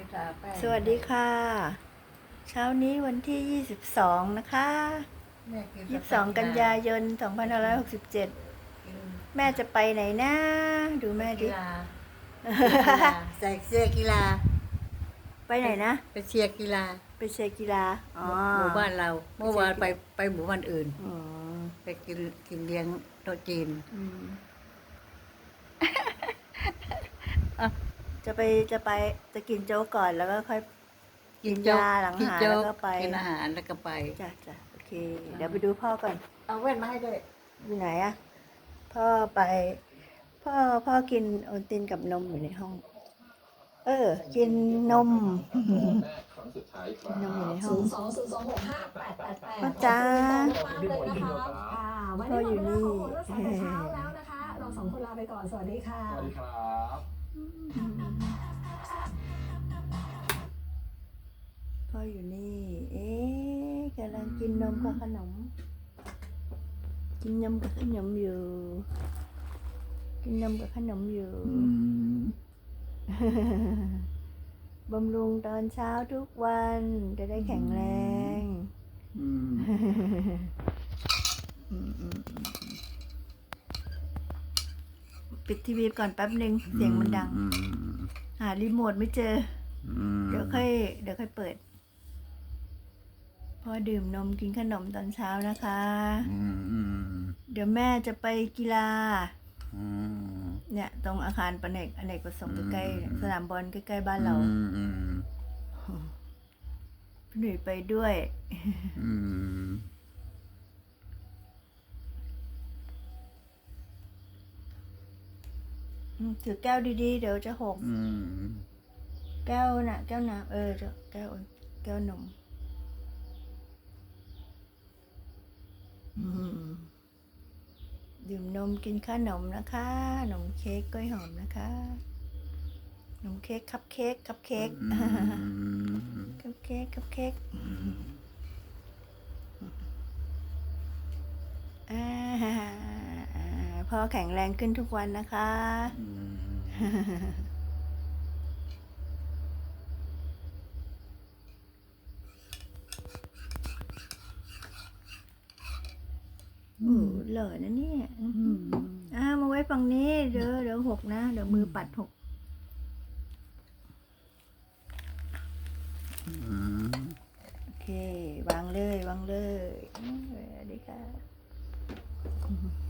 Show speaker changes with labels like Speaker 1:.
Speaker 1: ทาแป้ง
Speaker 2: สวัสดีค่ะ เช้านี้วันที่ 22 นะคะ
Speaker 1: แม่กิน
Speaker 2: 22 กันยายน 2567 แม่จะไปไหนนะ ดูแม่
Speaker 1: กี
Speaker 2: ดิ
Speaker 1: ฬาใส่เสื้อกีฬา
Speaker 2: ไปไหนนะ
Speaker 1: ไปเชียร์กีฬา
Speaker 2: ไปเชียร์กีฬา อ๋อ
Speaker 1: หมู่บ้านเรา เมื่อวานไปหมู่บ้านอื่น
Speaker 2: อ๋อ
Speaker 1: ไปกินเลี้ยงโต๊ะจีน
Speaker 2: อืม จะจะกินโจ๊กก่อนแล้วก็ค่อยกินยาหลังอาหารแล้วก็ไป
Speaker 1: กินอาหารแล้วก็ไป
Speaker 2: จ้ะโอเค เดี๋ยวไปดูพ่อก่อน
Speaker 1: เอาแว่นมาให้ด้วย
Speaker 2: อยู่ไหนอะพ่อไป พ่อกินโอวัลตินกับนมอยู่ในห้อง กินนม กินนมอยู่ในห้องพ่อจ้าพ่ออยู่นี่
Speaker 3: เช้าแล้วนะคะเราสองคนลาไปก่อนสวัสดีค่ะ
Speaker 4: สวัสดีครับ
Speaker 2: พ่ออยู่นี่ กำลังกินนมกับขนม กินนมกับขนมอยู่ กินนมกับขนมอยู่ บำรุงตอนเช้าทุกวันจะได้แข็งแรง ปิดทีวีก่อนแป๊บหนึ่งเสียงมันดัง หารีโมทไม่เจอ เดี๋ยวค่อยเปิด พอดื่มนมกินขนมตอนเช้านะคะ เดี๋ยวแม่จะไปกีฬา เนี่ย ตรงอาคารอเนกประสงค์ใกล้ๆสนามบอลใกล้ๆบ้านเราพี่หนุ่ยไปด้วยถือแก้วดีๆเดี๋ยวจะหกแก้วน้ำแก้วนมดื่มนมกินขนมนะคะขนมเค้กกล้วยหอมนะคะขนมเค้กคัพเค้กคัพเค้กพ่อแข็งแรงขึ้นทุกวันนะคะหล่อนะเนี่ยมาไว้ฝั่งนี้เดี๋ยวหกนะเดี๋ยวมือปัดหกโอเควางเลยวางเลยสวัสดีค่ะ